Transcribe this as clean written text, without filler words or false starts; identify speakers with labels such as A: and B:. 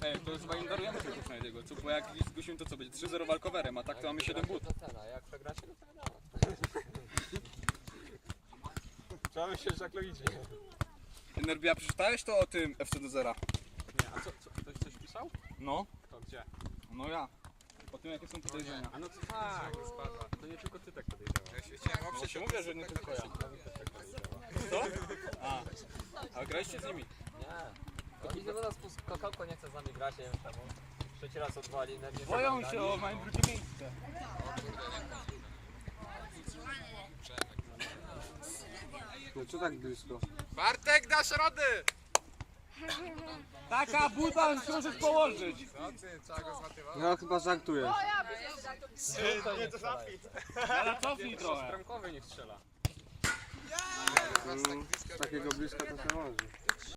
A: to chyba im darujemy tego Schneidiego, co? Bo jak zgłosimy to co, będzie 3-0 walkowerem, a tak to mamy 7 but.
B: Jak przegracie, to wiadomo.
C: Trzeba myśleć tak logicznie.
A: Nerbia, przeczytałeś to o tym FC do zera?
C: Nie, a co, ktoś coś pisał?
A: No.
C: To gdzie?
A: No ja. O tym jakie są podejrzenia.
C: A no to tak, to nie tylko ty tak podejrzewałeś.
A: No się mówię, że nie tylko ja. Co? A graliście z nimi?
B: Nie. Oni chyba nas Kokałko nie chce z nami grać, nie wiem czemu. Trzeci raz odwali.
A: Boją się, o mają drugie miejsce.
D: No co tak blisko?
C: Bartek, dasz rady!
A: Taka buta, że możesz położyć.
C: Co ty, trzeba go zmatywać?
D: No chyba żartujesz.
C: Nie, to zapi.
A: Ale cofnij trochę.
C: Bramkowy niech strzela.
D: Z takiego bliska to się może.